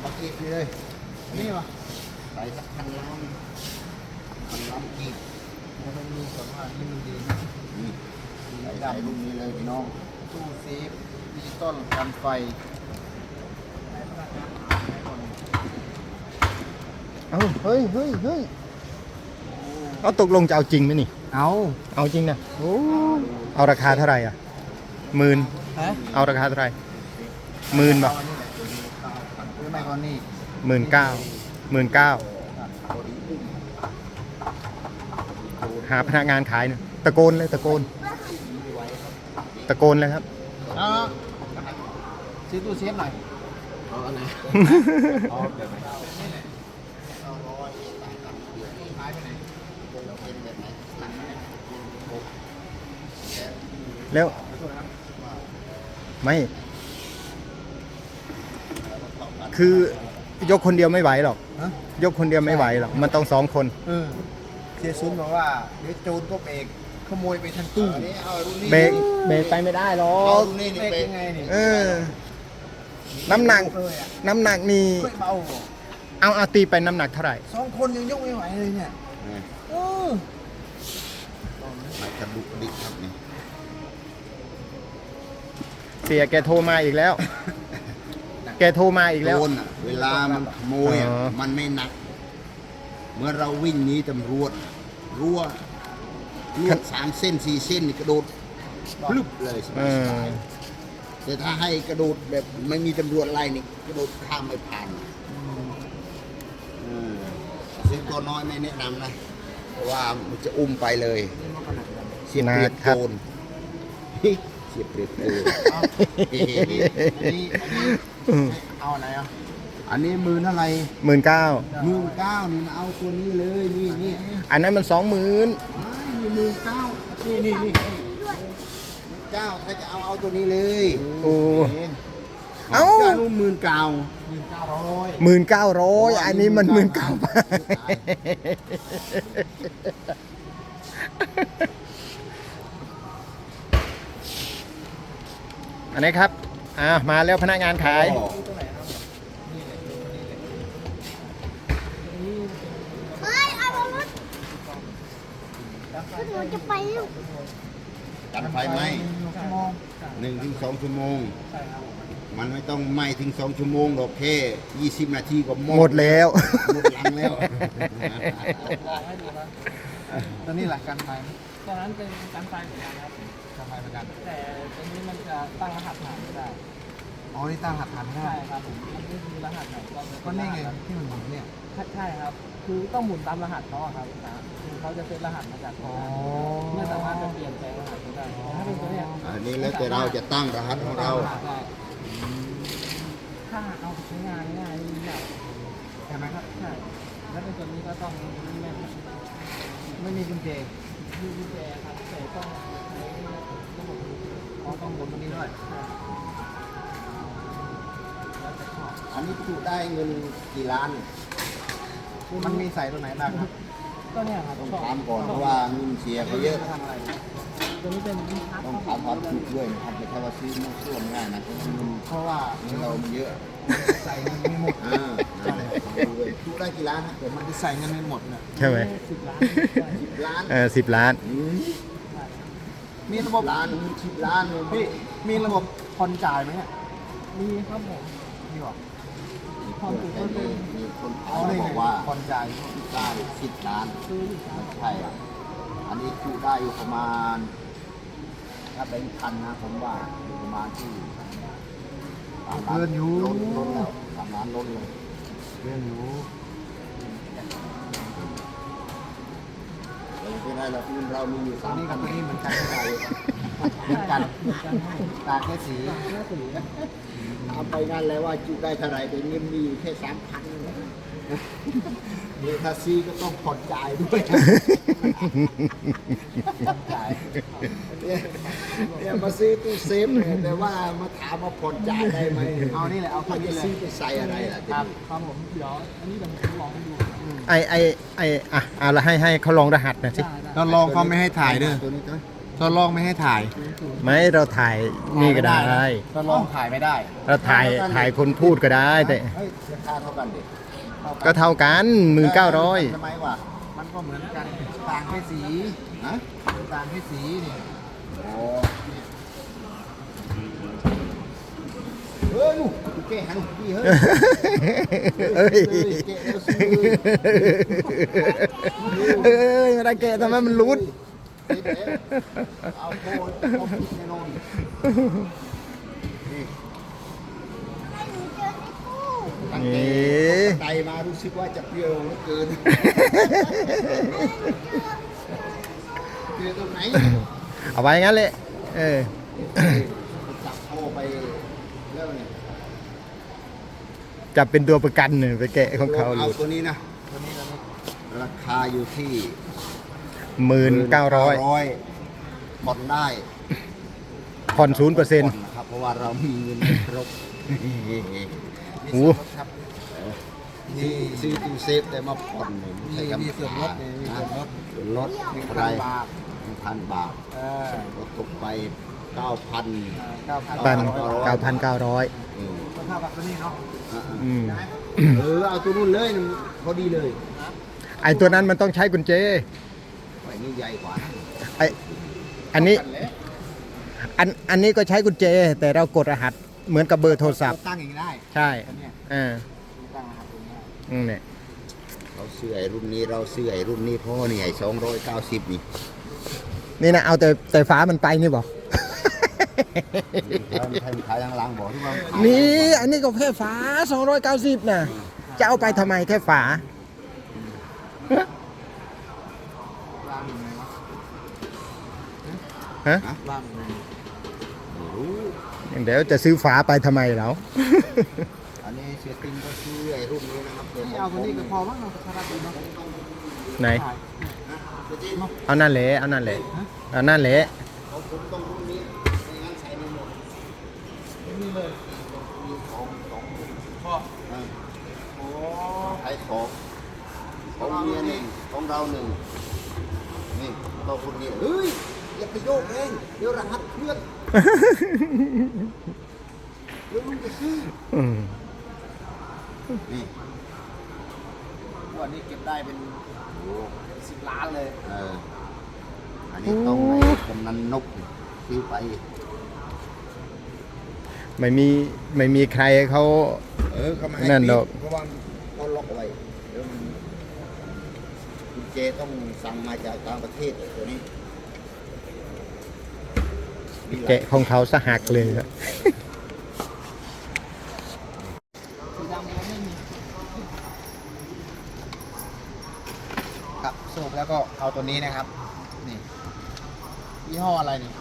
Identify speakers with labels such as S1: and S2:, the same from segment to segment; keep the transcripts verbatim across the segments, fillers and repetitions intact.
S1: ปากกีบเลยนี่วะใส่สักพันล้านพันล้านกีบแล้วมันมีสองอันที่มันดีนะนี่ใส่ใส่ลูกนี้เลยพี่น้องตู้เซฟดิจิตอลกันไฟ
S2: เอาเฮ้ยเฮ้ยเฮ้ยเอาตกลงจะเอาจริงไหมนี่
S1: เอา
S2: เอาจริงนะโอ้เอาราคาเท่าไหร่อ่ะหมื่นเอาราคาเท่าไหร่หมื่นป่ะ
S1: ซื้อไม่ก่อนนี่
S2: หมื่นเก้าหมื่นเก้าหาพนักงานขายเนี่ยตะโกนเลยตะโกนตะโกนเลยครับ
S1: เอาซื้อตู้เซฟหน่อยเอาอันไหนเอาแบบไหน
S2: แล้วไม่คือยกคนเดียวไม่ไหวหรอกยกคนเดียวไม่ไหวหรอกมันต้องสองคน
S1: เสียซุนบอกว่าเดี๋ยวโจรก็เบรกขโมยไปทันตู้
S2: เบรกเบรกไปไม่ได้หรอก
S1: เบรกยังไงนี่
S2: เออน้ำหนักน้ำหนักนี่เอาเอาตีไปน้ำหนักเท่าไหร่
S1: สองคนยังยกไม่ไหวเลยเนี่ยเออมันกระดุกดิกครับนี่
S2: เสียแกโทรมาอีกแล้ว แกโทรมาอีกแล้ว
S1: เวลามันขโมยมันไม่หนักเมื่อเราวิ่งหนีตำรวจรั่วรั่วสามเส้นสี่เส้นนี่กระโดดพลึบเลยสบายๆแต่ถ้าให้กระโดดแบบไม่มีตำรวจไล่นี่กระโดดข้ามไม่ผ่านซึ่งตัวน้อยไม่แนะนำนะเพราะว่ามันจะอุ้มไปเลยเสียเปรียบโจรเสียเปรียบโจรเอาอะไรอ่ะอันนี้หมื่นเท่าไหร่
S2: หมื่นเก้า
S1: หมื่นเก้านี่เอาตัวนี้เลยนี่นี่
S2: อันนั้นมันสองหมื่น
S1: หมื่นเก้านี่นี่นี่เก้าถ้าจะเอาเอาตัวนี้เลย
S2: โอ้เอา
S1: หมื่นเก้าหมื่นเก้าร้อย
S2: หมื่นเก้าร้อยอันนี้มันหมื่นเก้าอันนี้ครับอ่ามาแล้วพนักงานขาย
S3: เฮ้ยเอารถเราจะไปลูก
S1: กันไฟไหมหนึ่งถึงสองชั่วโมงมันไม่ต้องไหม้ถึงสองชั่วโมงหรอกแค่ยี่สิบนาทีก็
S2: หมดแล้ว
S1: หมดลังแล้วตอนนี้หลักการไฟ
S4: ตอนนั้นเป็นการไฟเหมือนกันครับ
S1: การไฟเหมือนกัน
S4: แต่ตรงนี้มันจะตั้งรหัสผ่านไม่ได้
S1: อ๋อนี่ตั้งรหัสผ่านไม่ได้
S4: ใช่ครับผมมันไม่มีรหัสไหนก็
S1: ก็นี่ไงที่มันหมุนเนี่ย
S4: ใช่ครับคือต้องหมุนตามรหัสเขาครับนะคือเขาจะเซตรหัสมาจากอ๋อไม่สามารถจะเปลี่ยนแปลงรหัสได้ถ้าเป็นตัวเนี้ย
S1: อันนี้แล้วแต่เราจะตั้งรหัสของเรา
S4: ถ้าเอาใช้งานง่ายนี่แบบ
S1: ใช่ไหมครับ
S4: ใช่แล้วเป็นตัวนี้ก็ต้องไม่
S1: ไม่มีกุญแจ
S4: มีกุญแจครับแต่ต้องใช้ระบบ
S1: อ๋อต้องบนตรงนี้ด้วยอันนี้จุได้เงินกี่ล้านมันมีใส่ตัวไหนบ้างครับ
S4: ก็เนี่ยครับ
S1: ต้องถามก่อนเพราะว่าเงินเสียเขาเยอะ
S4: ตัวนี้เป็น
S1: ต้องถามความถูกด้วยนะครับไม่ใช่ว่าซื้อมั่วซั่วง่ายนะเพราะว่าเงินเรามันเยอะใส่เงินไม่หมดอ่าถูกได้กี่ล้านนะแต่มันจะใส่เงินไม่หมดนะ
S2: ใช่ไหม
S4: สิบล้าน
S1: สิบล้าน
S2: เออสิบล้าน
S1: มีระบบล้านสิบล้านพี่มีระบบผ่อนจ่ายไหมเนี่ย
S4: มีครับผม
S1: มีหรอ
S4: ผ่อนถูกก็เป็น
S1: มีคนเขาบอกว่าผ่อนจ่ายได้สิบล้านใช่อ่ะอันนี้ถูกได้อยู่ประมาณถ้าเป็นพันนะผมว่าอยู่ประมาณที่เกินอยู่ล้นล้นแล้วสามล้านล้นเลยเกินอยู่ไม่ได้เราที่เรามีอยู่สามนี่กับตัวนี้เหมือนกันไม่ได้เหมือนกันต่างแค่สีทำไปงานแล้วว่าจุได้เท่าไรแต่เงินมีอยู่แค่สามพันเดี๋ยวถ้าซีก็ต้องผ่อนจ่ายด้วยจ่ายเนี่ยมาซื้อตู้เซฟเนี่ยแต่ว่ามาถามมาผ่อนจ่ายได้ไหมเอานี่แหละเอาคนจะซื้อไปใส่อะไรล่ะ
S4: ครับครับผมเดี๋ยวอันนี้เดี๋ยวผมลองให้ดู
S2: ไอไอไออ่ะเอาละให้ให้เขาลองรหัสหน่อยสิ
S1: เราลองเขาไม่ให้ถ่ายด้วยตัวนี้ตัวทดลองไม่ให้ถ่าย
S2: ไม่เราถ่ายนี่ก็ได้
S4: ทดลองถ่ายไม่ได้
S2: เราถ่ายถ่ายคนพูดก็ได้แต่
S1: เฮ้ยราคาเท่ากันดิ
S2: ก็เท่ากันหมื่นเก้าร้อย
S1: ทำไมวะ
S4: มันก็เหมือนกันต่างแค่สี
S1: ฮะ
S4: ต่างแค่สีนี่
S1: โอ้เฮ้ยลูกแกหันพี่เฮ้ย
S2: เอ้ย
S1: แกเอลซีเลย
S2: เอ้ยไม่ได้แกะทำไมมันรุด
S1: เอาโคนเอาพิษแน่นอนนี่
S3: ให้หนูเจอในตู้
S1: ตั้ง
S2: นี่
S1: แต่ไตมารู้สึกว่าจะเปรี้ยวเหลือเกินเปรี้ยวตรงไหน
S2: เอาไว้งั้นเลยเออ
S1: จับโคไปแล้วเนี่ย
S2: จับเป็นตัวประกันเนี่ยไปแกะของเขา
S1: เอา
S2: เลย
S1: ตัวนี้นะ
S4: ตัวนี้เราไม่
S1: ราคาอยู่ที่
S2: หมื่นเก้าร้อย
S1: ผ่อนได้
S2: ผ่อนศูนย์เปอร์เซ็นต์
S1: ผ่นะครับเพราะว่าเรามีเงินไม่ครบ
S2: โอ้
S1: ครับนี่ซื้อตู้เซฟแต่มาผ่อนเนี่ย
S4: มีมีส่วนลดนี่มีส่วนลด
S1: ส่วนลด
S4: หนึ่ง
S1: อะไร
S4: พันบาท
S1: หนึ่งพันบาท
S4: เออ
S1: ก็ตกไปเก้าพัน
S4: เก้าพัน
S2: ปันเก้าพันเก้าร้อย
S4: ก็เท่ากับตัวนี้เนาะ
S2: อืม
S1: เออเอาตัวนู้นเลยพอดีเลย
S2: ไอตัวนั้นมันต้องใช้กุญแจ
S1: ไอ้นี่ใหญ่กว่า
S2: ไออันนี้อันอันนี้ก็ใช้กุญแจ แต่เรากดรหัสเหมือนกับเบอร์โทรศัพท์
S4: ตั้งอย่างนี้ได้
S2: ใช่
S4: ตัวเนี้ย
S2: เออ
S4: ตั้งนะครับตรงนี้
S2: อืมเนี่ย
S1: เราซื้อไอ้รุ่นนี้เราซื้อไอ้รุ่นนี้เพราะนี่ไอ้สองร้อยเก้าสิบนี่
S2: นี่นะเอาแต่แต่ฟ้ามันไปนี่บอก
S1: แล้วมันขายขายทางหลังบอกที่ว่าขาย
S2: นี่อันนี้ก็แค่ฝาสองร้อยเก้าสิบนะจะเอาไปทำไมแค่ฝา
S4: ล่างยังไงวะ
S2: ฮะ
S4: ล่างยังไง
S1: ไม่รู้
S2: เดี๋ยวจะซื้อฝาไปทำไมแล้ว
S1: อันนี้เสียติงก็ซื้อไอ้รุ่นนี้นะครับดี๋ยว
S4: นี่เอาตัวนี้ก็พอมั้งเราชาร์จดีเนาะ
S2: ไหน
S4: ถ่าย
S2: เอานั่นแหละเอานั่นแหละเอานั่นแหละ
S1: ของผมต้องรุ่นนี้ไม่งั้นใช้ไม่หมด
S4: นี่เลย
S1: มีของสอง
S4: พอ
S1: อ่า
S4: โอ้
S1: ใช้ของของเมียหนึ่งของเราหนึ่งนี่ต้องรุ่นนี้เฮ้ยอย่าไปโยกเองเดี๋ยวรหัสเคลื่อนเดี๋ยวลุงจะซื้อ
S2: อืม
S1: นี่
S4: วันนี้เก็บได้เป็นสิบล้านเลย
S1: เอออันนี้ต้องไอ้กำนันนกซื้อไป
S2: ไม่มีไม่มีใครเขา
S1: เออเขามาให้
S2: นั่น
S1: ปิ
S2: ดอก
S1: เพราะว่าเขาล็อกเอาไว้เดี๋ยวมันกุญแจต้องสั่งมาจากต่างประเทศตัวนี้มีหลาย
S2: แกะของเขาสหักเลยครับ
S4: สีดำเราไม่มีครับสูบแล้วก็เอาตัวนี้นะครับนี่ยี่ห้ออะไรนี่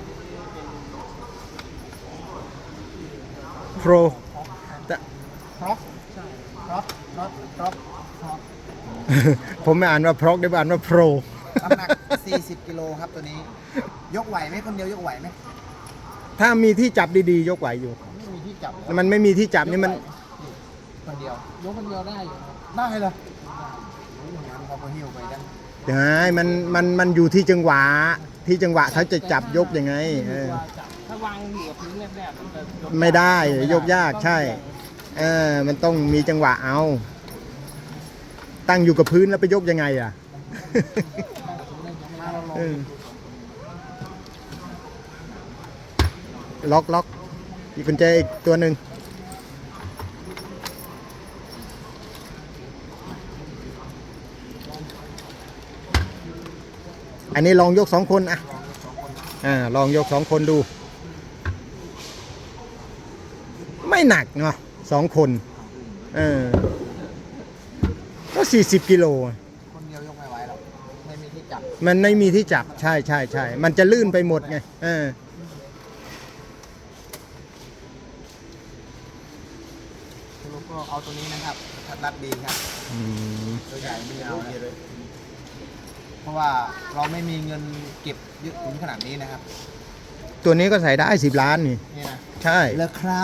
S2: โปร
S4: ครอกใช่ครอกครอกครอกครอก
S2: ผมไม่อ่านว่าพรอกได้อ่านว่าโปร
S4: น้ำหนัก สี่สิบ กิโลครับตัวนี้ ยกไหวไหมคนเดียวยกไหวไหม
S2: ถ้ามีที่จับดีๆ ยกไหวอยู่
S4: ไม่มีที่จับ
S2: มันไม่มีที่จับนี่มัน
S4: คนเดียว ยกคนเดียวได้อยู่ได้เลยงั้นเขาก็หิ้วไปกัน
S2: ใช่มันมันมันอยู่ที่จังหวะ ที่จังหวะเขาจะจับยกยังไงเออ
S4: ถ้าวางอยู่กับพื้นแรกๆมันจะยก
S2: ไม่ได้ยกยากใช่เออมันต้องมีจังหวะเอา ตั้งอยู่กับพื้นแล้วไปยกยังไงอ่ะ
S4: มาเราลอง
S2: เออล็อกล็อกอีกกุญแจอีกตัวหนึ่งอันนี้ลองยกสองคนอ่ะอ่าลองยกสองคนดู ไม่หนักเนาะสองคนเออก็สี่สิบกิโล
S4: คนเดียวยกไม่ไหวหรอกไม่มีที่จับ
S2: มันไม่มีที่จับใช่ใช่ใช่มันจะลื่นไปหมดไงเออ
S4: แล้วก็เอาตัวนี้นะครับทัดรัดดีครับ
S2: อืม
S4: ตัวใหญ่ไม่เอาเลยเพราะว่าเราไม่มีเงินเก็บเยอะถึงขนาดนี้นะครับ
S2: ตัวนี้ก็ใส่ได้สิบล้านนี่
S4: นี่นะ
S2: ใช่
S4: เลยครับ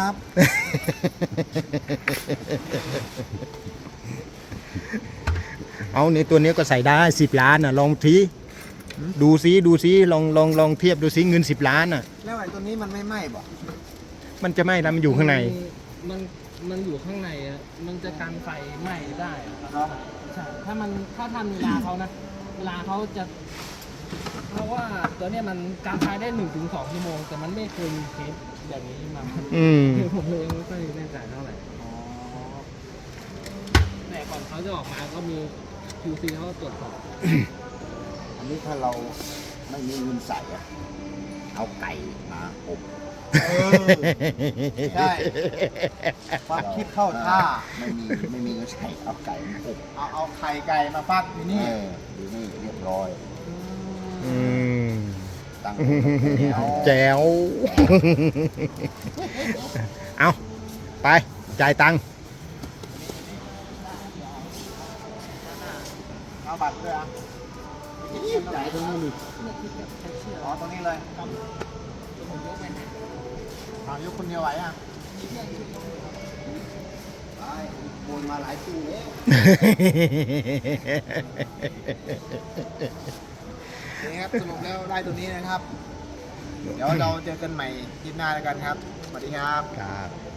S2: เอาในตัวนี้ก็ใส่ได้สิบล้านนะลองทีดูซิดูซิลองลองลองเทียบดูซิเงินสิบล้านอ่ะ
S1: แล้วไอ้ตัวนี้มันไม่ไหม้บ่
S2: มันจะไหม้แล้วมันอยู่ข้างใน
S4: มันมันอยู่ข้างในอะมันจะกันไฟไหม้ได้อะใช่ถ้ามันถ้าทันเวลาเขานะเวลาเขาจะ เพราะว่าตัวเนี้ยมันการไฟได้หนึ่งถึงสองชั่วโมงแต่มันไม่เคยมีเคสแบบนี้มา
S2: อืม
S4: คือผมเลยไม่ค่อยแน่ใจเท่าไหร่แต่ก่อนเขาจะออกมาก็มี คิว ซี เขาตรวจสอบ
S1: อันนี้ถ้าเราไม่มีเงินใส่อะเอาไก่มาอบ
S5: เออ ใช่ ความคิดเข้าท่า
S1: ไม่มีไม่มีเงินใส่เอาไก่มาอบ
S5: เอาเอาไข่ไก่มาฟักอยู่นี่
S1: เออดูนี่เรียบร้อย
S2: อืม
S1: ตั้ง
S2: แจ๋ว เอาไปจ่ายตังค์
S5: เอาบัตรด้วยอ่ะ
S1: จ่ายตรงนี้ดิ
S5: อ๋อตรงนี้เลยเอายกคนเดียวไหวอ่ะ
S1: ไปโอนมาหลายตู้แล้ว
S5: นี่ครับสรุปแล้วได้ตัวนี้นะครับ เดี๋ยวเราเจอกันใหม่คลิปหน้าแล้วกันครับ สวัสดีครับ
S2: ครับ